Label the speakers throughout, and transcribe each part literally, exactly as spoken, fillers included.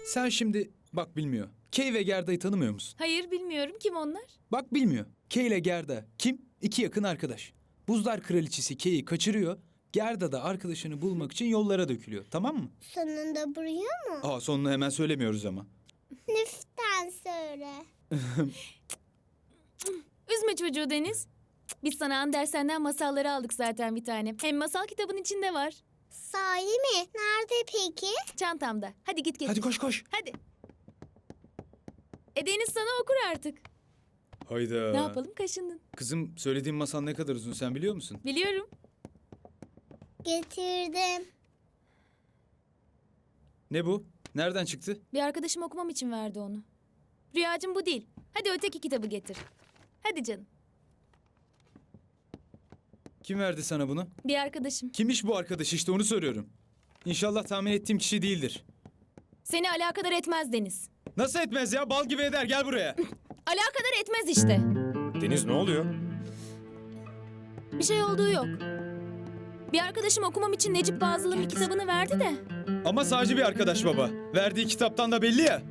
Speaker 1: Sen şimdi bak bilmiyor. Kay ve Gerda'yı tanımıyor musun?
Speaker 2: Hayır bilmiyorum. Kim onlar?
Speaker 1: Bak bilmiyor. Kay ile Gerda kim? İki yakın arkadaş. Buzlar Kraliçesi Kay'i kaçırıyor. Gerda da arkadaşını bulmak için yollara dökülüyor. Tamam mı?
Speaker 3: Sonunda buraya mı?
Speaker 1: Aa sonunu hemen söylemiyoruz ama.
Speaker 3: Lütfen söyle.
Speaker 2: Üzme çocuğu Deniz. Biz sana Andersen'den masalları aldık zaten bir tane. Hem masal kitabın içinde var.
Speaker 3: Sahi mi? Nerede peki?
Speaker 2: Çantamda. Hadi git getir.
Speaker 1: Hadi koş koş.
Speaker 2: Hadi. E Deniz sana okur artık.
Speaker 1: Hayda.
Speaker 2: Ne yapalım, kaşındın.
Speaker 1: Kızım söylediğim masal ne kadar uzun sen biliyor musun?
Speaker 2: Biliyorum.
Speaker 3: Getirdim.
Speaker 1: Ne bu? Nereden çıktı?
Speaker 2: Bir arkadaşım okumam için verdi onu. Rüyacığım bu değil. Hadi öteki kitabı getir. Hadi canım.
Speaker 1: Kim verdi sana bunu?
Speaker 2: Bir arkadaşım.
Speaker 1: Kimmiş bu arkadaş işte onu soruyorum. İnşallah tahmin ettiğim kişi değildir.
Speaker 2: Seni alakadar etmez Deniz.
Speaker 1: Nasıl etmez ya? Bal gibi eder gel buraya.
Speaker 2: Alakadar etmez işte.
Speaker 4: Deniz ne oluyor?
Speaker 2: Bir şey olduğu yok. Bir arkadaşım okumam için Necip Fazıl'ın bir kitabını verdi de.
Speaker 1: Ama sadece bir arkadaş baba. Verdiği kitaptan da belli ya.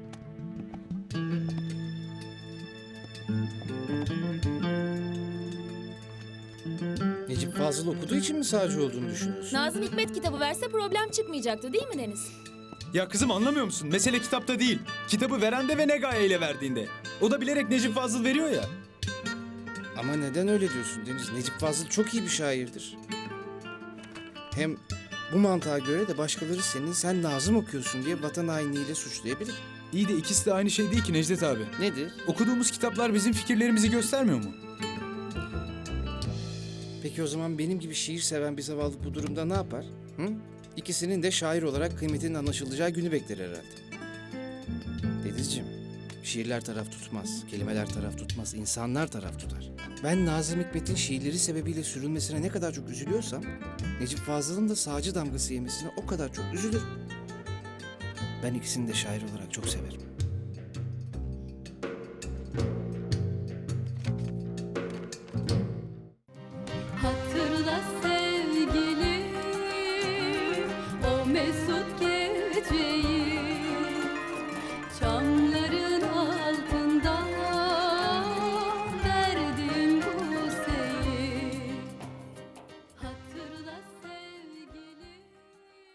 Speaker 4: Necip Fazıl okuduğu için mi sağcı olduğunu düşünüyorsun?
Speaker 2: Nazım Hikmet kitabı verse problem çıkmayacaktı değil mi Deniz?
Speaker 1: Ya kızım anlamıyor musun? Mesele kitapta değil. Kitabı veren de ve ne gayeyle verdiğinde. O da bilerek Necip Fazıl veriyor ya.
Speaker 4: Ama neden öyle diyorsun Deniz? Necip Fazıl çok iyi bir şairdir. Hem bu mantığa göre de başkaları senin sen Nazım okuyorsun diye vatan hainliğiyle suçlayabilir.
Speaker 1: İyi de ikisi de aynı şey değil ki Necdet abi.
Speaker 4: Nedir?
Speaker 1: Okuduğumuz kitaplar bizim fikirlerimizi göstermiyor mu?
Speaker 4: Peki o zaman benim gibi şiir seven bir zavallı bu durumda ne yapar? Hı? İkisinin de şair olarak kıymetinin anlaşılacağı günü bekler herhalde. Denizciğim, şiirler taraf tutmaz, kelimeler taraf tutmaz, insanlar taraf tutar. Ben Nazım Hikmet'in şiirleri sebebiyle sürülmesine ne kadar çok üzülüyorsam, Necip Fazıl'ın da sağcı damgası yemesine o kadar çok üzülürüm. Ben ikisini de şair olarak çok severim.